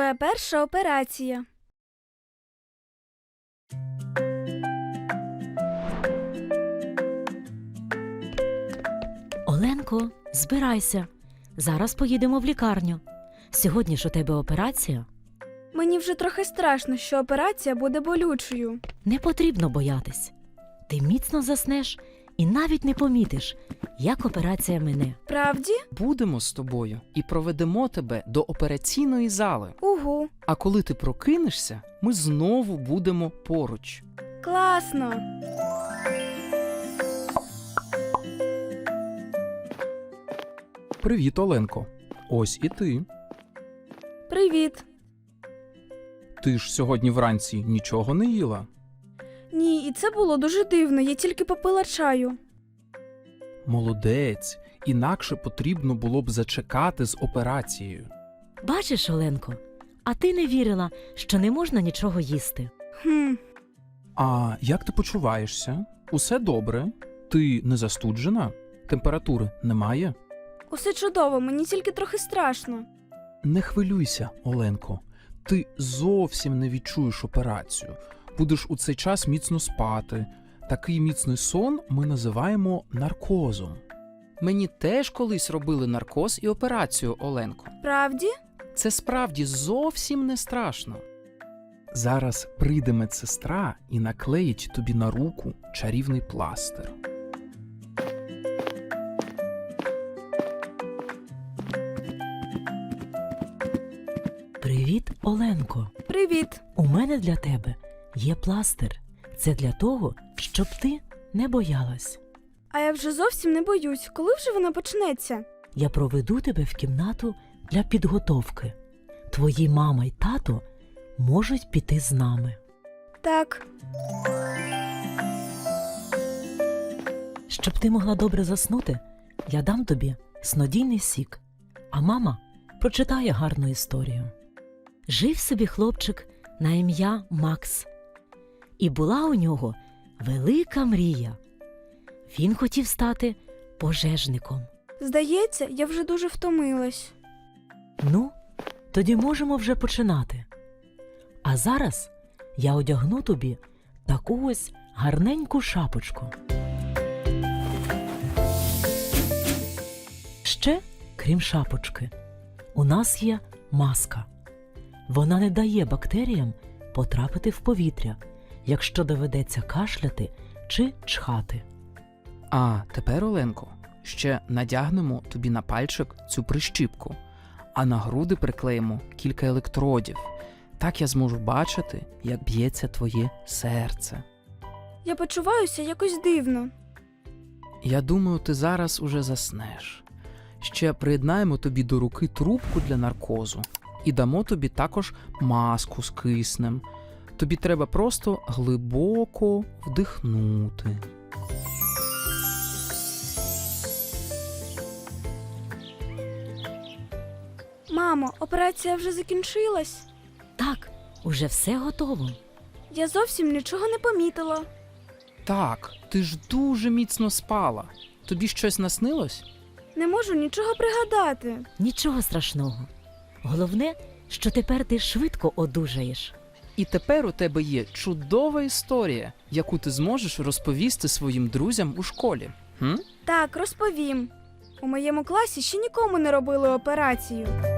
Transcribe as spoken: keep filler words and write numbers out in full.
Твоя перша операція. Оленко, збирайся. Зараз поїдемо в лікарню. Сьогодні ж у тебе операція. Мені вже трохи страшно, що операція буде болючою. Не потрібно боятись. Ти міцно заснеш і навіть не помітиш, як операція мине. Правді? Будемо з тобою і проведемо тебе до операційної зали. Угу. А коли ти прокинешся, ми знову будемо поруч. Класно. Привіт, Оленко. Ось і ти. Привіт. Ти ж сьогодні вранці нічого не їла? Ні, і це було дуже дивно, я тільки попила чаю. Молодець. Інакше потрібно було б зачекати з операцією. Бачиш, Оленко, а ти не вірила, що не можна нічого їсти. Хм. А як ти почуваєшся? Усе добре? Ти не застуджена? Температури немає? Усе чудово, мені тільки трохи страшно. Не хвилюйся, Оленко. Ти зовсім не відчуєш операцію. Будеш у цей час міцно спати. Такий міцний сон ми називаємо наркозом. Мені теж колись робили наркоз і операцію, Оленко. Правді? Це справді зовсім не страшно. Зараз прийде медсестра і наклеїть тобі на руку чарівний пластир. Привіт, Оленко. Привіт. У мене для тебе є пластир. Це для того, щоб ти не боялась. А я вже зовсім не боюсь. Коли вже вона почнеться? Я проведу тебе в кімнату для підготовки. Твої мама й тато можуть піти з нами. Так. Щоб ти могла добре заснути, я дам тобі снодійний сік, а мама прочитає гарну історію. Жив собі хлопчик на ім'я Макс. І була у нього велика мрія. Він хотів стати пожежником. Здається, я вже дуже втомилась. Ну, тоді можемо вже починати. А зараз я одягну тобі таку ось гарненьку шапочку. Ще, крім шапочки, у нас є маска. Вона не дає бактеріям потрапити в повітря, якщо доведеться кашляти чи чхати. А тепер, Оленко, ще надягнемо тобі на пальчик цю прищіпку, а на груди приклеїмо кілька електродів. Так я зможу бачити, як б'ється твоє серце. Я почуваюся якось дивно. Я думаю, ти зараз уже заснеш. Ще приєднаємо тобі до руки трубку для наркозу і дамо тобі також маску з киснем. Тобі треба просто глибоко вдихнути. Мамо, операція вже закінчилась? Так, уже все готово. Я зовсім нічого не помітила. Так, ти ж дуже міцно спала. Тобі щось наснилось? Не можу нічого пригадати. Нічого страшного. Головне, що тепер ти швидко одужаєш. І тепер у тебе є чудова історія, яку ти зможеш розповісти своїм друзям у школі. Хм? Так, розповім. У моєму класі ще нікому не робили операцію.